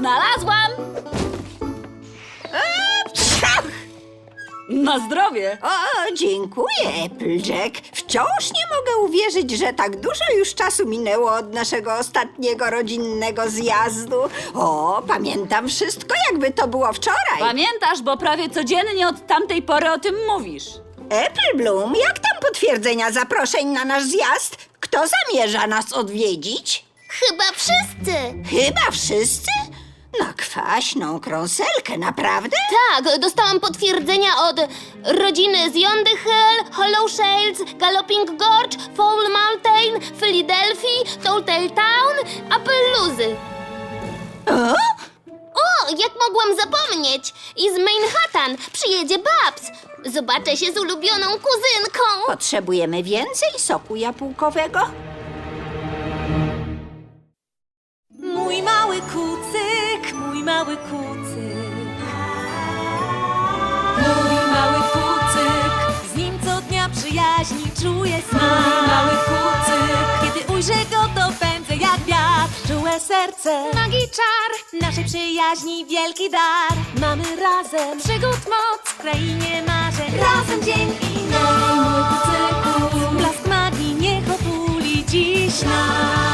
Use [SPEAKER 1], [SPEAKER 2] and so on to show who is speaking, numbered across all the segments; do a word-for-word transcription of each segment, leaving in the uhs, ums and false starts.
[SPEAKER 1] Znalazłam! Na zdrowie!
[SPEAKER 2] O, dziękuję, Applejack. Wciąż nie mogę uwierzyć, że tak dużo już czasu minęło od naszego ostatniego rodzinnego zjazdu. O, pamiętam wszystko, jakby to było wczoraj.
[SPEAKER 1] Pamiętasz, bo prawie codziennie od tamtej pory o tym mówisz.
[SPEAKER 2] Apple Bloom, jak tam potwierdzenia zaproszeń na nasz zjazd? Kto zamierza nas odwiedzić?
[SPEAKER 3] Chyba wszyscy.
[SPEAKER 2] Chyba wszyscy? Na kwaśną krąselkę, naprawdę?
[SPEAKER 3] Tak, dostałam potwierdzenia od rodziny z Yondy Hill, Hollow Shales, Galloping Gorge, Foul Mountain, Philadelphia, Telltale Town, Appaloozy.
[SPEAKER 2] O?
[SPEAKER 3] O, jak mogłam zapomnieć! I z Manhattan przyjedzie Babs. Zobaczę się z ulubioną kuzynką.
[SPEAKER 2] Potrzebujemy więcej soku jabłkowego?
[SPEAKER 4] Mój mały kucyk, mój mały kucyk. Mój mały kucyk, z nim co dnia przyjaźni czuję smak. Mój mały kucyk, kiedy ujrzę go, to pędzę jak wiatr. Czułe serce, magii czar, naszej przyjaźni wielki dar. Mamy razem przygód moc w krainie marzeń. Razem dzień i noc. Mój kucyku, blask magii niech otuli dziś nas.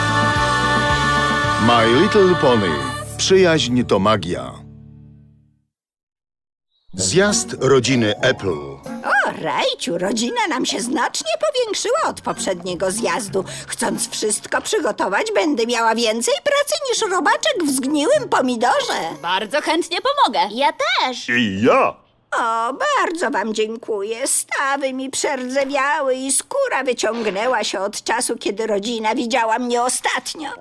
[SPEAKER 5] My Little Pony. Przyjaźń to magia. Zjazd rodziny Apple.
[SPEAKER 2] O, Rajciu, rodzina nam się znacznie powiększyła od poprzedniego zjazdu. Chcąc wszystko przygotować, będę miała więcej pracy niż robaczek w zgniłym pomidorze.
[SPEAKER 1] Bardzo chętnie pomogę.
[SPEAKER 3] Ja też.
[SPEAKER 5] I ja.
[SPEAKER 2] O, bardzo wam dziękuję. Stawy mi przerdzewiały i skóra wyciągnęła się od czasu, kiedy rodzina widziała mnie ostatnio.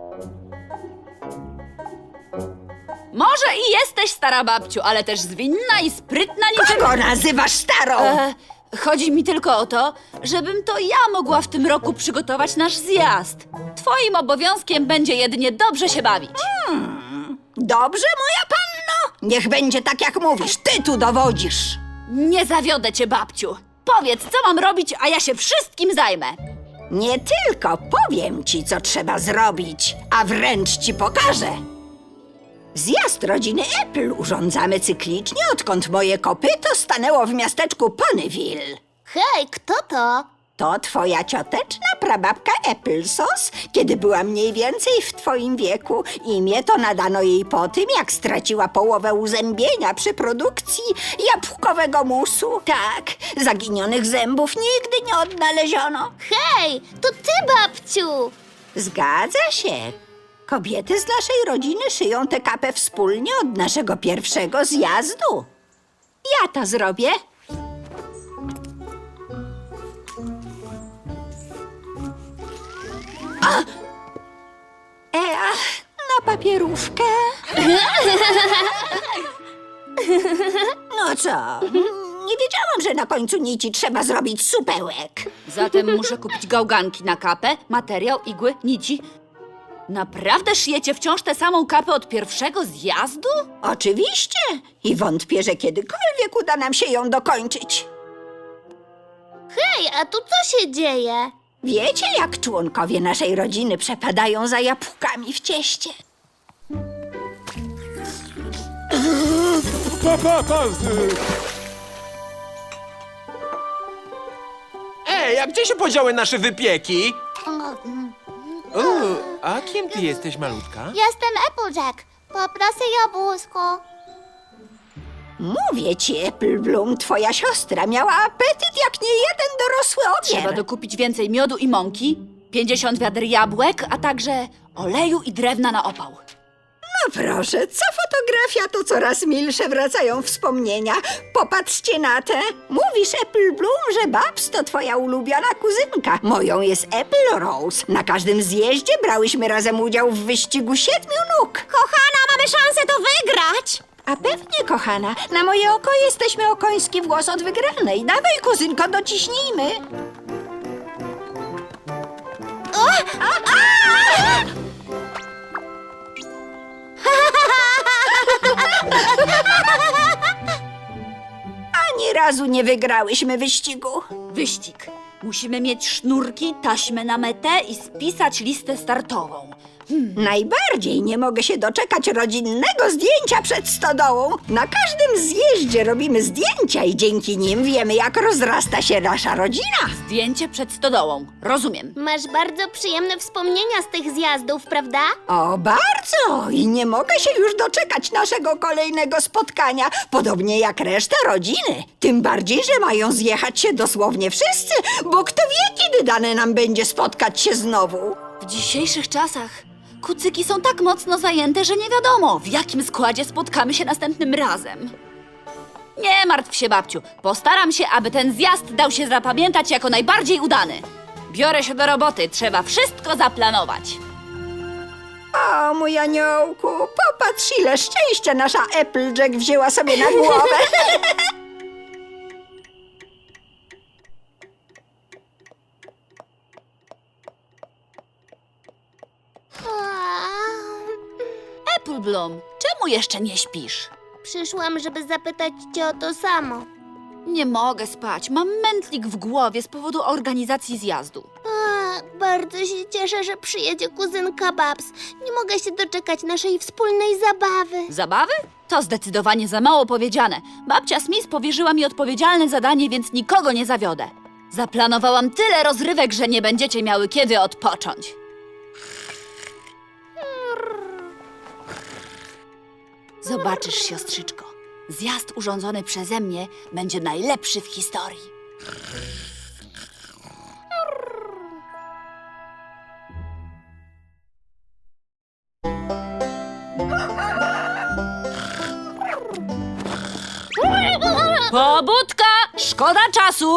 [SPEAKER 1] Może i jesteś stara babciu, ale też zwinna i sprytna niczym...
[SPEAKER 2] Kogo nazywasz starą?
[SPEAKER 1] E, chodzi mi tylko o to, żebym to ja mogła w tym roku przygotować nasz zjazd. Twoim obowiązkiem będzie jedynie dobrze się bawić.
[SPEAKER 2] Dobrze, moja panno? Niech będzie tak, jak mówisz. Ty tu dowodzisz.
[SPEAKER 1] Nie zawiodę cię, babciu. Powiedz, co mam robić, a ja się wszystkim zajmę.
[SPEAKER 2] Nie tylko powiem ci, co trzeba zrobić, a wręcz ci pokażę. Zjazd rodziny Apple urządzamy cyklicznie, odkąd moje kopyto stanęło w miasteczku Ponyville.
[SPEAKER 3] Hej, kto to?
[SPEAKER 2] To twoja cioteczna prababka Applesauce, kiedy była mniej więcej w twoim wieku. Imię to nadano jej po tym, jak straciła połowę uzębienia przy produkcji jabłkowego musu. Tak, zaginionych zębów nigdy nie odnaleziono.
[SPEAKER 3] Hej, to ty, babciu.
[SPEAKER 2] Zgadza się. Kobiety z naszej rodziny szyją tę kapę wspólnie od naszego pierwszego zjazdu. Ja to zrobię. A! E, a, na papierówkę. No co? Nie wiedziałam, że na końcu nici trzeba zrobić supełek.
[SPEAKER 1] Zatem muszę kupić gałganki na kapę, materiał, igły, nici. Naprawdę szyjecie wciąż tę samą kapę od pierwszego zjazdu?
[SPEAKER 2] Oczywiście. I wątpię, że kiedykolwiek uda nam się ją dokończyć.
[SPEAKER 3] Hej, a tu co się dzieje?
[SPEAKER 2] Wiecie, jak członkowie naszej rodziny przepadają za jabłkami w cieście?
[SPEAKER 6] Pa, pa, pa. Ej, a gdzie się podziały nasze wypieki? O, a kim ty jesteś, malutka?
[SPEAKER 3] Jestem Applejack. Poproszę jabłuszko.
[SPEAKER 2] Mówię ci, Apple Bloom, twoja siostra miała apetyt jak nie jeden dorosły
[SPEAKER 1] Trzeba
[SPEAKER 2] ogier.
[SPEAKER 1] dokupić więcej miodu i mąki, pięćdziesiąt wiader jabłek, a także oleju i drewna na opał.
[SPEAKER 2] No proszę, co fotografia, to coraz milsze wracają wspomnienia. Popatrzcie na te. Mówisz, Apple Bloom, że Babs to twoja ulubiona kuzynka. Moją jest Apple Rose. Na każdym zjeździe brałyśmy razem udział w wyścigu siedmiu nóg.
[SPEAKER 3] Kochana, mamy szansę to wygrać.
[SPEAKER 2] A pewnie, kochana, na moje oko jesteśmy o koński włos od wygranej. Dawaj, kuzynko, dociśnijmy. O! A, a! Ani razu nie wygrałyśmy wyścigu.
[SPEAKER 1] Wyścig. Musimy mieć sznurki, taśmę na metę i spisać listę startową.
[SPEAKER 2] Najbardziej nie mogę się doczekać rodzinnego zdjęcia przed stodołą. Na każdym zjeździe robimy zdjęcia i dzięki nim wiemy, jak rozrasta się nasza rodzina.
[SPEAKER 1] Zdjęcie przed stodołą. Rozumiem.
[SPEAKER 3] Masz bardzo przyjemne wspomnienia z tych zjazdów, prawda?
[SPEAKER 2] O, bardzo! I nie mogę się już doczekać naszego kolejnego spotkania, podobnie jak reszta rodziny. Tym bardziej, że mają zjechać się dosłownie wszyscy, bo kto wie, kiedy dane nam będzie spotkać się znowu.
[SPEAKER 1] W dzisiejszych czasach kucyki są tak mocno zajęte, że nie wiadomo, w jakim składzie spotkamy się następnym razem. Nie martw się, babciu. Postaram się, aby ten zjazd dał się zapamiętać jako najbardziej udany. Biorę się do roboty, trzeba wszystko zaplanować.
[SPEAKER 2] O, mój aniołku, popatrz, ile szczęścia nasza Applejack wzięła sobie na głowę.
[SPEAKER 1] Apple Bloom, czemu jeszcze nie śpisz?
[SPEAKER 3] Przyszłam, żeby zapytać cię o to samo.
[SPEAKER 1] Nie mogę spać, mam mętlik w głowie z powodu organizacji zjazdu.
[SPEAKER 3] A, bardzo się cieszę, że przyjedzie kuzynka Babs. Nie mogę się doczekać naszej wspólnej zabawy.
[SPEAKER 1] Zabawy? To zdecydowanie za mało powiedziane. Babcia Smith powierzyła mi odpowiedzialne zadanie, więc nikogo nie zawiodę. Zaplanowałam tyle rozrywek, że nie będziecie miały kiedy odpocząć. Zobaczysz, siostrzyczko. Zjazd urządzony przeze mnie będzie najlepszy w historii. Pobudka! Szkoda czasu!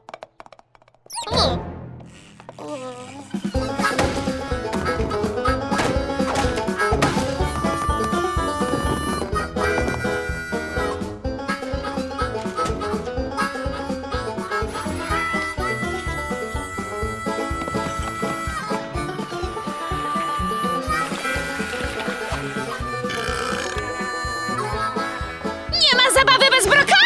[SPEAKER 1] Nie ma zabawy bez brokatu!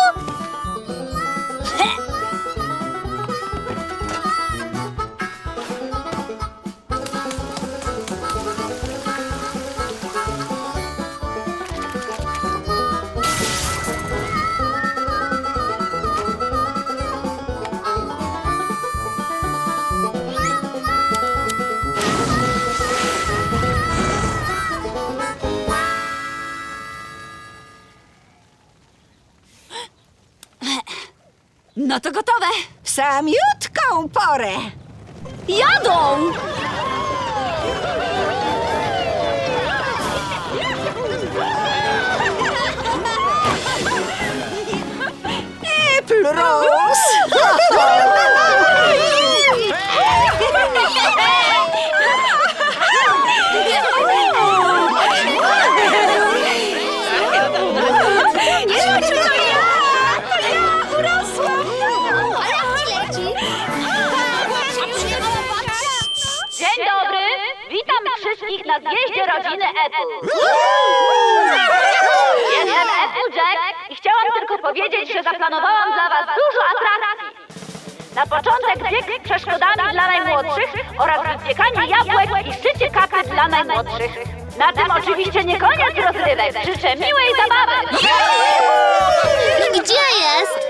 [SPEAKER 1] No to gotowe!
[SPEAKER 2] W samiutką porę.
[SPEAKER 1] Jadą!
[SPEAKER 2] Apple Rose!
[SPEAKER 1] Dzień dobry! Witam wszystkich na zjeździe rodziny Apple. Jestem Applejack i chciałam tylko powiedzieć, że zaplanowałam dla was dużo atrakcji. Na początek bieg z przeszkodami dla najmłodszych oraz wypiekanie jabłek i szycie kapy dla najmłodszych. Na tym oczywiście nie koniec rozrywek. Życzę miłej zabawy!
[SPEAKER 3] I gdzie jest?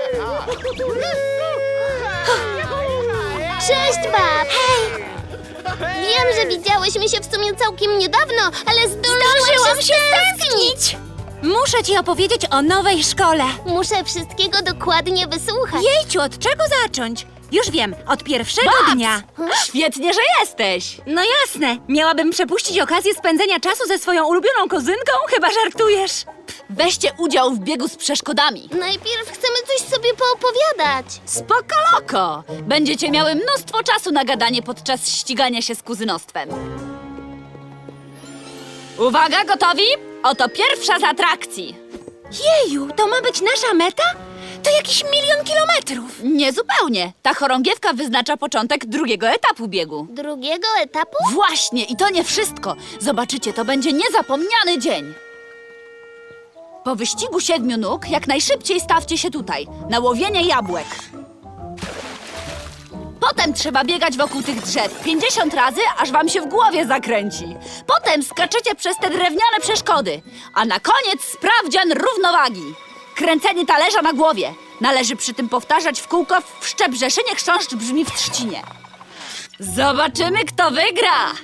[SPEAKER 3] Cześć, Bab! Hej! Wiem, że widziałyśmy się w sumie całkiem niedawno, ale zdążyłam się stęsknić!
[SPEAKER 7] Muszę ci opowiedzieć o nowej szkole.
[SPEAKER 3] Muszę wszystkiego dokładnie wysłuchać.
[SPEAKER 7] Jejciu, od czego zacząć? Już wiem, od pierwszego dnia.
[SPEAKER 1] Świetnie, że jesteś!
[SPEAKER 7] No jasne, miałabym przepuścić okazję spędzenia czasu ze swoją ulubioną kuzynką? Chyba żartujesz.
[SPEAKER 1] Weźcie udział w biegu z przeszkodami.
[SPEAKER 3] Najpierw chcemy coś sobie poopowiadać.
[SPEAKER 1] Spoko loko! Będziecie miały mnóstwo czasu na gadanie podczas ścigania się z kuzynostwem. Uwaga, gotowi? Oto pierwsza z atrakcji.
[SPEAKER 7] Jeju, to ma być nasza meta? To jakiś milion kilometrów.
[SPEAKER 1] Niezupełnie. Ta chorągiewka wyznacza początek drugiego etapu biegu.
[SPEAKER 3] Drugiego etapu?
[SPEAKER 1] Właśnie, i to nie wszystko. Zobaczycie, to będzie niezapomniany dzień. Po wyścigu siedmiu nóg jak najszybciej stawcie się tutaj, na łowienie jabłek. Potem trzeba biegać wokół tych drzew pięćdziesiąt razy, aż wam się w głowie zakręci. Potem skaczecie przez te drewniane przeszkody. A na koniec sprawdzian równowagi. Kręcenie talerza na głowie. Należy przy tym powtarzać w kółko w Szczebrzeszynie chrząszcz brzmi w trzcinie. Zobaczymy, kto wygra.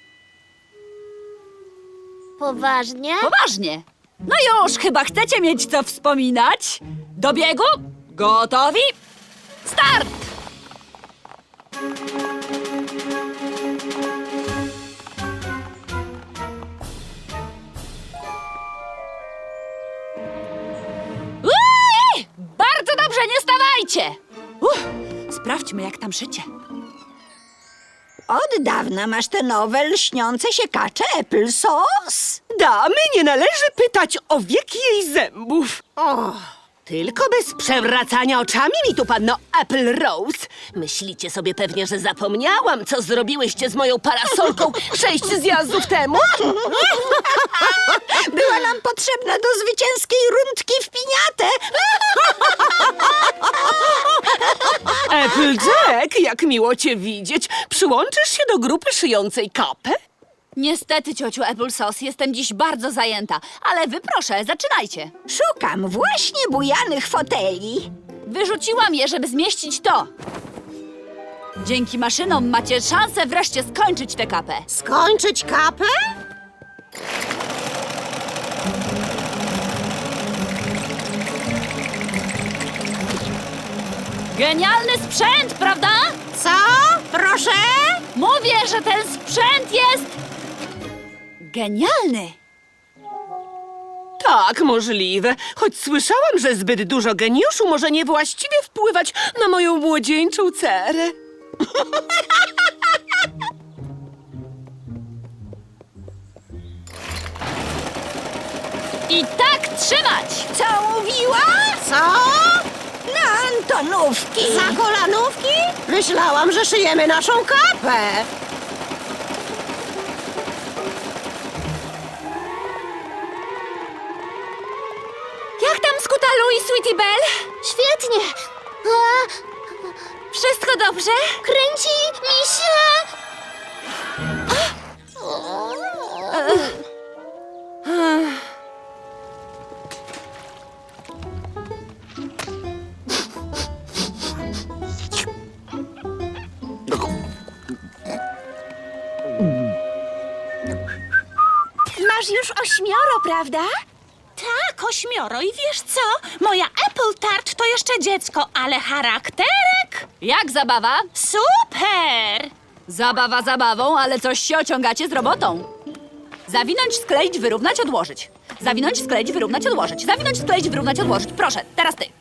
[SPEAKER 3] Poważnie?
[SPEAKER 1] Poważnie. No już, chyba chcecie mieć co wspominać? Do biegu? Gotowi? Start! Uii! Bardzo dobrze, nie stawajcie! Uff, sprawdźmy, jak tam szycie.
[SPEAKER 2] Od dawna masz te nowe, lśniące się kacze Apple Sauce?
[SPEAKER 8] Damy nie należy pytać o wiek jej zębów.
[SPEAKER 2] O,
[SPEAKER 8] Tylko bez przewracania oczami mi tu, panno Apple Rose. Myślicie sobie pewnie, że zapomniałam, co zrobiłyście z moją parasolką sześć zjazdów temu?
[SPEAKER 2] była nam potrzebna do zwycięskiej rundki w piniatę.
[SPEAKER 8] Applejack, jak miło cię widzieć. Przyłączysz się do grupy szyjącej kapę?
[SPEAKER 1] Niestety, ciociu Applesauce, jestem dziś bardzo zajęta, ale wy proszę, zaczynajcie.
[SPEAKER 2] Szukam właśnie bujanych foteli.
[SPEAKER 1] Wyrzuciłam je, żeby zmieścić to. Dzięki maszynom macie szansę wreszcie skończyć tę kapę.
[SPEAKER 2] Skończyć kapę?
[SPEAKER 1] Genialny sprzęt, prawda?
[SPEAKER 2] Co? Proszę?
[SPEAKER 1] Mówię, że ten sprzęt jest... genialny.
[SPEAKER 8] Tak, możliwe. Choć słyszałam, że zbyt dużo geniuszu może niewłaściwie wpływać na moją młodzieńczą cerę.
[SPEAKER 1] I tak trzymać!
[SPEAKER 2] Co mówiła? Co? Na Antonówki. Za kolanówki? Myślałam, że szyjemy naszą kapę.
[SPEAKER 7] Jak tam Skutalu i Sweetie Belle?
[SPEAKER 3] Świetnie! A,
[SPEAKER 7] Wszystko dobrze?
[SPEAKER 3] kręci mi się!
[SPEAKER 7] Masz już ośmioro, prawda? Tak, ośmioro. I wiesz co? Moja Apple Tart to jeszcze dziecko, ale charakterek
[SPEAKER 1] Jak zabawa?
[SPEAKER 7] super!
[SPEAKER 1] Zabawa zabawą, ale coś się ociągacie z robotą. Zawinąć, skleić, wyrównać, odłożyć. Zawinąć, skleić, wyrównać, odłożyć. Zawinąć, skleić, wyrównać, odłożyć. Proszę, teraz ty.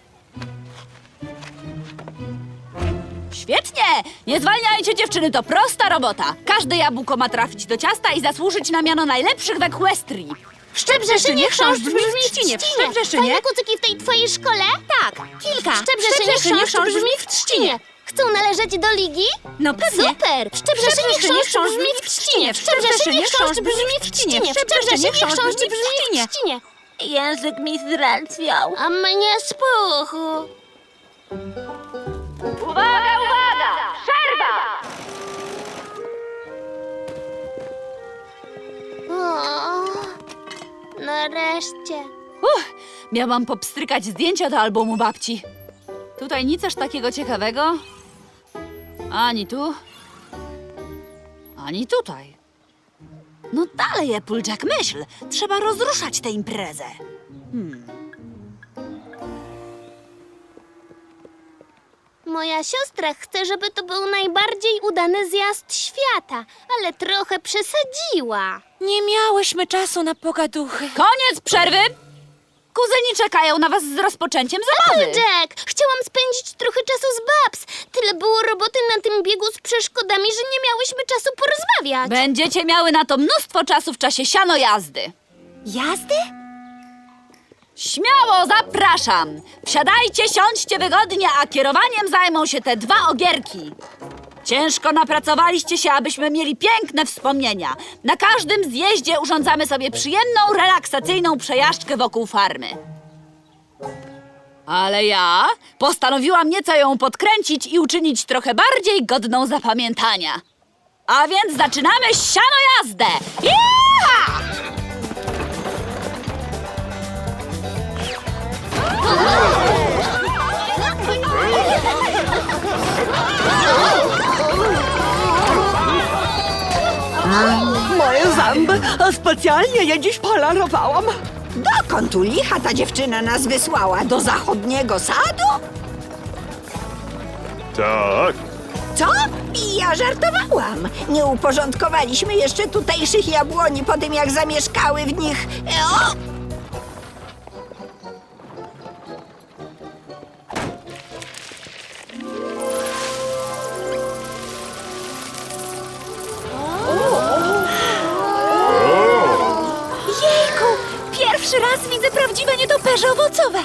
[SPEAKER 1] Świetnie! Nie zwalniajcie, dziewczyny, to prosta robota. Każde jabłko ma trafić do ciasta i zasłużyć na miano najlepszych w Equestrii.
[SPEAKER 3] W Szczebrzeszynie chrząszcz brzmi w
[SPEAKER 7] Trzcinie. W
[SPEAKER 3] trzcinie!
[SPEAKER 7] Szczebrzeszynie?
[SPEAKER 3] Fajne kucyki w tej twojej szkole?
[SPEAKER 7] Tak, kilka.
[SPEAKER 3] W Szczebrzeszynie chrząszcz brzmi w trzcinie! Chcą należeć do ligi?
[SPEAKER 7] No pewnie.
[SPEAKER 3] Super! W Szczebrzeszynie chrząszcz brzmi w trzcinie! W Szczebrzeszynie chrząszcz brzmi w trzcinie! W Szczebrzeszynie chrząszcz brzmi w trzcinie!
[SPEAKER 7] Język mi zdrętwiał.
[SPEAKER 3] A mnie spuchł.
[SPEAKER 1] Uwaga, uwaga! Przerwa!
[SPEAKER 3] O, nareszcie.
[SPEAKER 1] Uff, miałam popstrykać zdjęcia do albumu babci. Tutaj nic aż takiego ciekawego. Ani tu, ani tutaj. No dalej, Applejack, myśl. Trzeba rozruszać tę imprezę.
[SPEAKER 3] Moja siostra chce, żeby to był najbardziej udany zjazd świata, ale trochę przesadziła.
[SPEAKER 7] Nie miałyśmy czasu na pogaduchy.
[SPEAKER 1] Koniec przerwy! Kuzyni czekają na was z rozpoczęciem zabawy.
[SPEAKER 3] Jack, chciałam spędzić trochę czasu z Babs. Tyle było roboty na tym biegu z przeszkodami, że nie miałyśmy czasu porozmawiać.
[SPEAKER 1] Będziecie miały na to mnóstwo czasu w czasie siano jazdy.
[SPEAKER 7] Jazdy?
[SPEAKER 1] Śmiało zapraszam! Wsiadajcie, siądźcie wygodnie, a kierowaniem zajmą się te dwa ogierki. Ciężko napracowaliście się, abyśmy mieli piękne wspomnienia. Na każdym zjeździe urządzamy sobie przyjemną, relaksacyjną przejażdżkę wokół farmy. Ale ja postanowiłam nieco ją podkręcić i uczynić trochę bardziej godną zapamiętania. A więc zaczynamy siano jazdę! Jecha!
[SPEAKER 8] Moje zęby, a specjalnie je dziś polarowałam.
[SPEAKER 2] Dokąd tu licha ta dziewczyna nas wysłała? Do zachodniego sadu?
[SPEAKER 5] Tak.
[SPEAKER 2] Co? Ja żartowałam. Nie uporządkowaliśmy jeszcze tutejszych jabłoni po tym, jak zamieszkały w nich... E, o!
[SPEAKER 7] Jejku, pierwszy raz widzę prawdziwe nietoperze owocowe.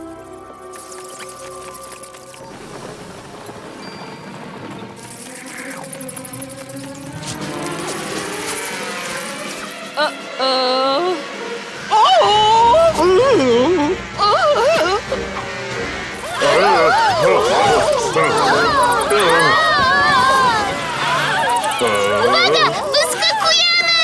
[SPEAKER 3] Uwaga! Wyskakujemy!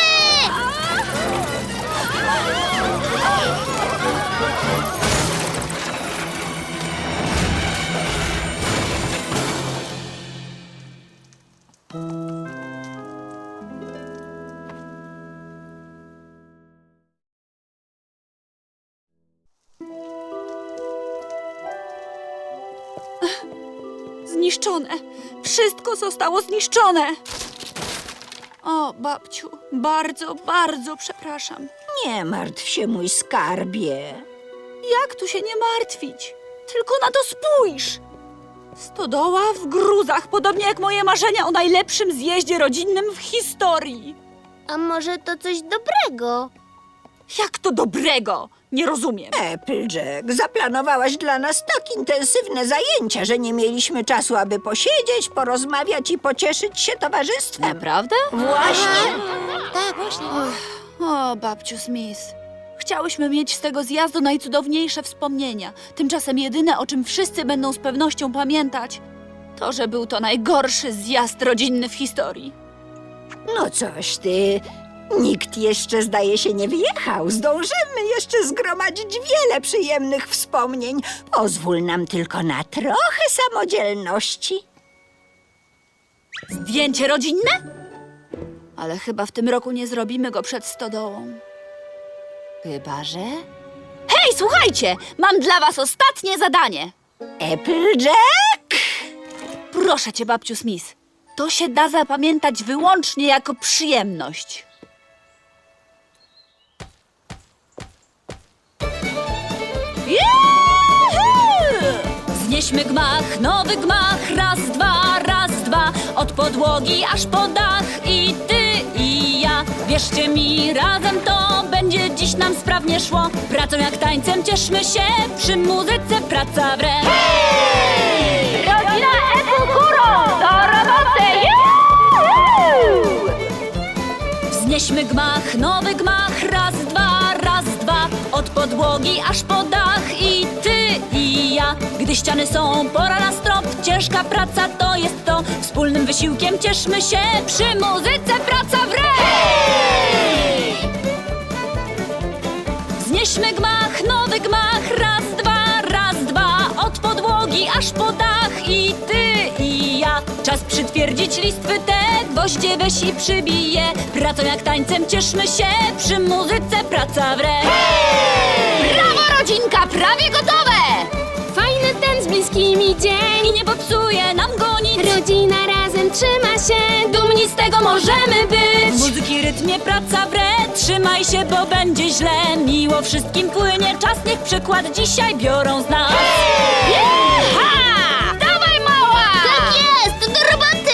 [SPEAKER 1] Zniszczone. Wszystko zostało zniszczone. O, babciu, bardzo, bardzo przepraszam.
[SPEAKER 2] Nie martw się, mój skarbie.
[SPEAKER 1] Jak tu się nie martwić? Tylko na to spójrz! Stodoła w gruzach, podobnie jak moje marzenia o najlepszym zjeździe rodzinnym w historii.
[SPEAKER 3] A może to coś dobrego?
[SPEAKER 1] Jak to dobrego? Nie rozumiem.
[SPEAKER 2] Applejack, zaplanowałaś dla nas tak intensywne zajęcia, że nie mieliśmy czasu, aby posiedzieć, porozmawiać i pocieszyć się towarzystwem.
[SPEAKER 1] Naprawdę?
[SPEAKER 2] Właśnie.
[SPEAKER 3] Tak, właśnie.
[SPEAKER 1] O, babciu Smith. Chciałyśmy mieć z tego zjazdu najcudowniejsze wspomnienia. Tymczasem jedyne, o czym wszyscy będą z pewnością pamiętać, to, że był to najgorszy zjazd rodzinny w historii.
[SPEAKER 2] No coś ty. Nikt jeszcze, zdaje się, nie wyjechał. Zdążymy jeszcze zgromadzić wiele przyjemnych wspomnień. Pozwól nam tylko na trochę samodzielności.
[SPEAKER 1] Zdjęcie rodzinne? Ale chyba w tym roku nie zrobimy go przed stodołą. Chyba, że... Hej, słuchajcie! Mam dla was ostatnie zadanie.
[SPEAKER 2] Applejack?
[SPEAKER 1] Proszę cię, babciu Smith. To się da zapamiętać wyłącznie jako przyjemność. Juhu! Znieśmy gmach, nowy gmach, raz, dwa, raz, dwa, od podłogi aż po dach i ty i ja. Wierzcie mi, razem to będzie dziś nam sprawnie szło. Pracą jak tańcem cieszmy się, przy muzyce praca w re. Hej! Rodzina Apple górą, do roboty! Juhu! Wznieśmy gmach, nowy gmach, raz, dwa, raz, dwa, od podłogi aż po dach i ty i ja. Gdy ściany są, pora na strop, ciężka praca to jest to. Wspólnym wysiłkiem cieszmy się, przy muzyce praca w re. Hej! Wznieśmy gmach, nowy gmach, raz, dwa, raz, dwa, od podłogi aż po dach i ty i ja. Czas przytwierdzić listwy te, gwoździe weź i przybije. Pracą jak tańcem cieszmy się, przy muzyce praca w re. Hej! Brawo, rodzinka, prawie gotowe!
[SPEAKER 3] Fajny ten z bliskimi dzień.
[SPEAKER 1] I nie popsuje nam go nic.
[SPEAKER 3] Rodzina razem trzyma się.
[SPEAKER 1] Dumni z tego możemy być. W muzyki rytmie praca w re. Trzymaj się, bo będzie źle. Miło wszystkim płynie czas, niech przykład dzisiaj biorą z nas. Jecha! Dawaj, mała!
[SPEAKER 3] Tak jest, do roboty!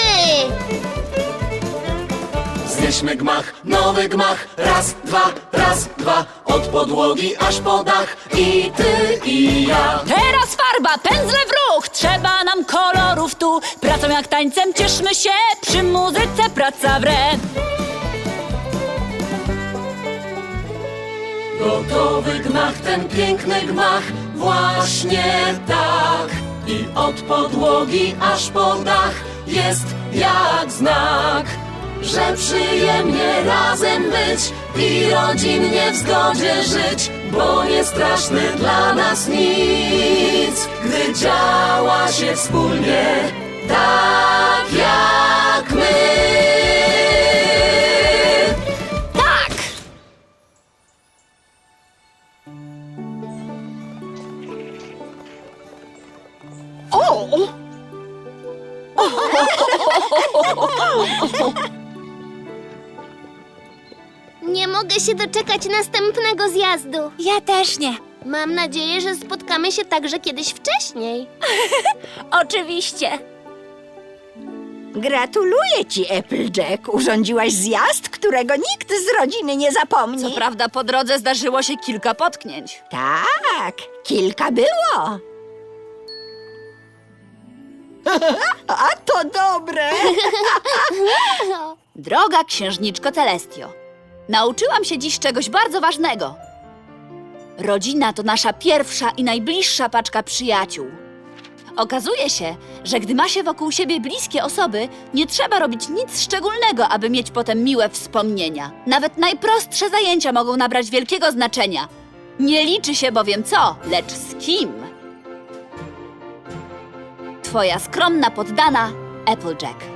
[SPEAKER 9] Znieśmy gmach, nowy gmach, raz, dwa, raz, dwa, od podłogi aż po dach i ty i ja.
[SPEAKER 1] Teraz farba, pędzle w ruch, trzeba nam kolorów tu. Pracą jak tańcem cieszmy się, przy muzyce praca w re.
[SPEAKER 9] Gotowy gmach, ten piękny gmach, właśnie tak. I od podłogi aż po dach jest jak znak, że przyjemnie razem być i rodzinnie w zgodzie żyć, bo nie straszny dla nas nic, gdy działa się wspólnie, tak jak my.
[SPEAKER 1] Tak!
[SPEAKER 8] O!
[SPEAKER 3] Nie mogę się doczekać następnego zjazdu.
[SPEAKER 7] Ja też nie.
[SPEAKER 3] Mam nadzieję, że spotkamy się także kiedyś wcześniej.
[SPEAKER 7] Oczywiście.
[SPEAKER 2] Gratuluję ci, Applejack. Urządziłaś zjazd, którego nikt z rodziny nie zapomni.
[SPEAKER 1] Co prawda po drodze zdarzyło się kilka potknięć.
[SPEAKER 2] Tak, kilka było. A to dobre.
[SPEAKER 1] Droga księżniczko Celestio, nauczyłam się dziś czegoś bardzo ważnego. Rodzina to nasza pierwsza i najbliższa paczka przyjaciół. Okazuje się, że gdy ma się wokół siebie bliskie osoby, nie trzeba robić nic szczególnego, aby mieć potem miłe wspomnienia. Nawet najprostsze zajęcia mogą nabrać wielkiego znaczenia. Nie liczy się bowiem co, lecz z kim. Twoja skromna poddana Applejack.